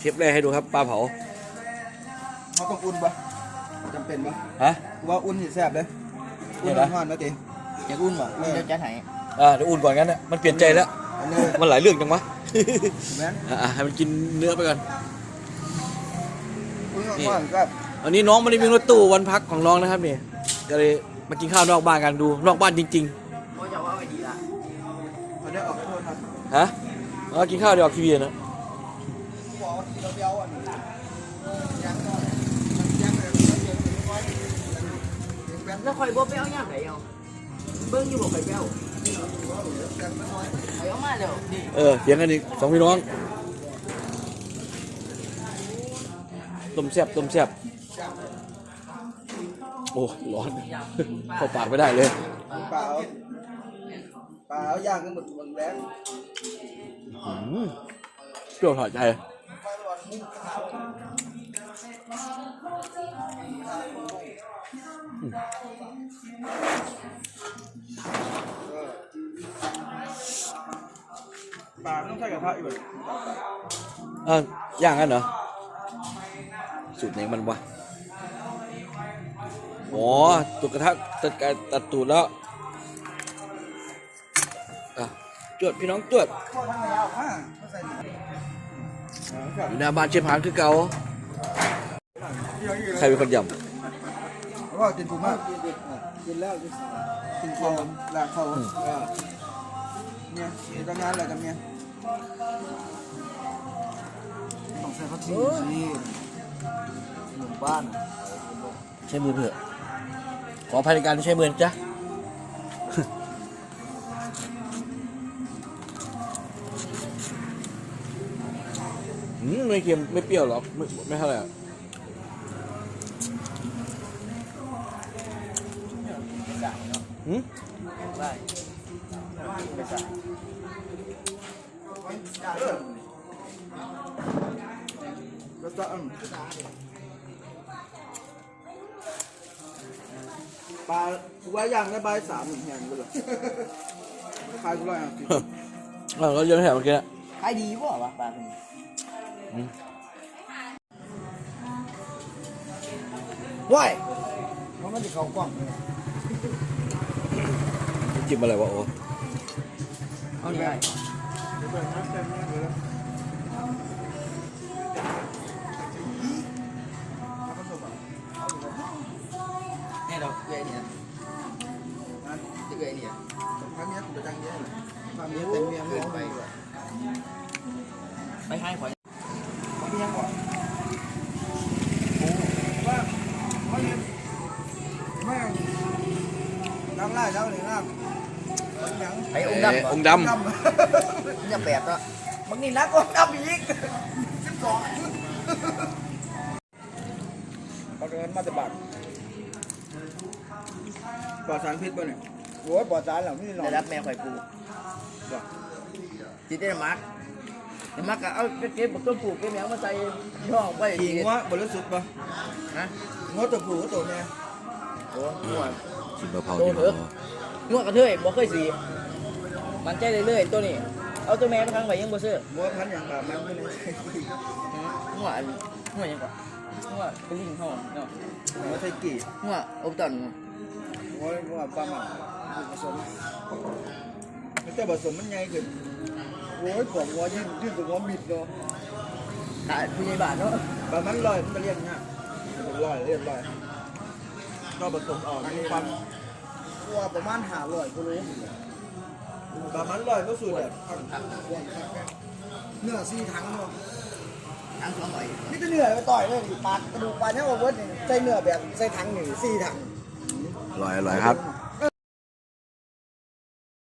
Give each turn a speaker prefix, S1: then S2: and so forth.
S1: เชฟแรกให้ดูครับปลาเผา
S2: เขาต้องอุ่นปะจำเป็นปะ
S1: ฮะ
S2: ว่าอุ่นสิแซ่บเลยอุ่นห่อนนะตีอยากอุ่นปะเดี๋ยวจะไหน
S1: เดี๋ยวอุ่นก่อนงั้นนะมันเปลี่ยนใจแล้วมันหลายเรื่องจังวะให้มันกินเนื้อไปก่อนนี่อันนี้น้องไม่ได้มีรถตู้วันพักของน้องนะครับนี่ก็เลยมากินข้าวนอกบ้านกันดูนอกบ้านจริงๆเขาจะว่าไปดีละ
S2: เขาได้ออกไปโทษครับ
S1: ฮะมากินข้าวเดี๋ยวออกทีวีนะ
S3: แล้วคอยบ่ไปเอาย่างไหนเอาเบิ้งอยู่บ่คอยไปเอาเอามาเดี๋ยว
S1: เถียงกันอีกสองพี่น้องต้มแซ่บโอ้ร้อนเข้าปากไม่ได้เลย
S2: เปล่าย่างกันหมดแรง
S1: เปรี้ยวถอดใจ
S2: ปลาต้องใช้กระทะอีกแบบ
S1: ย่างกันเหรอสูตรไหนมันวะอ๋อตุกกระทะตัดตูดแล้วจวดพี่น้องจวดอยู่หน้าบ้านเชฟพานคือเก่าใครเป็นคนยำ
S2: ก็กินถูกมากกินแล้วกินข้าวหลังข้าวเนี่ยทำงานอะไรกันเนี่ยต้องใส่ผักชีหมู่บ้าน
S1: ใช้มือเถอะขออภัยในการที่ใช้มือจ้ะไม่เค็มไม่เปรี้ยวหรอกไม่เท่าไหร่
S2: ปลาว่าย่างได้ใบ3แห่งเลยขายกูร้อย
S1: เราเยอะแถมเมื่อกี้
S3: ขายดีป่ะวะปลาคนนี้
S2: ว้ายเพราะมันจะเข้ากล้อง
S1: จิ้มอะไรวะโอ้
S3: เอาได้เนี่ยเราเกยเนี่ยจะเกยเนี่ย
S2: ครั้งนี้ผมจะจังเยอะครั้งนี้เต็มเมียมอง
S3: ไปให้ขวัญ
S2: ไม่ยังก่อนไม่น้ำไล่แล้วเลยน้ำ
S3: ไอ้องดำจะแปดแล้วบางนี่นักองดำอีก12
S2: ปลาเกินมาจะบาดปลอดสารพิษป่ะเนี่ยโอ้ยปลอดสารเหล่านี้หรอ
S3: ได้รับแมวไข่ปูจีเต้มักก็เอาเก็บต้นปลูกเก็บแมวมาใส่ช่องไป
S2: ขี่งัวบริสุทธิ์ป่ะ
S3: นะ
S2: งัวตัวผู้ตัวแม่
S3: โอ้งัว
S1: ชิมมะพร้าว
S3: งัวกระเทยบ่เคยสีมันใจเรื่อยๆตัวนี้เอาตัวแม่มาครั้งไปยังบ่ซื้อ
S2: งัวพันอย่างแบบมันไม่ได้
S3: งัวยังก่อนงัวเป็นลิงเขาเนาะ
S2: งัวไทยกี่
S3: งัวอบตัน
S2: งัวปลาหมันผสมแต่ผสมมันไงคือโอ้ยผมงัวยื่นตัวงัวมิดเนาะ
S3: ขายผู้ใหญ่บ้านเนาะ
S2: ปลามันลอยมันเรียกง่ายลอยเรียกลอยก็ผสมออกมีความตัวประมาณ500กิโลประมาณ100ก็สุดแบบเนื้อ4 ถังเนาะ
S3: ถัง200
S2: นี่จะเนื้อไปต่อยเลยปลากระดูกปลาเนี่ยโอเวอร์ใส่เนื้อแบบใส่ถัง1 4 ถัง
S1: อร่อยครับ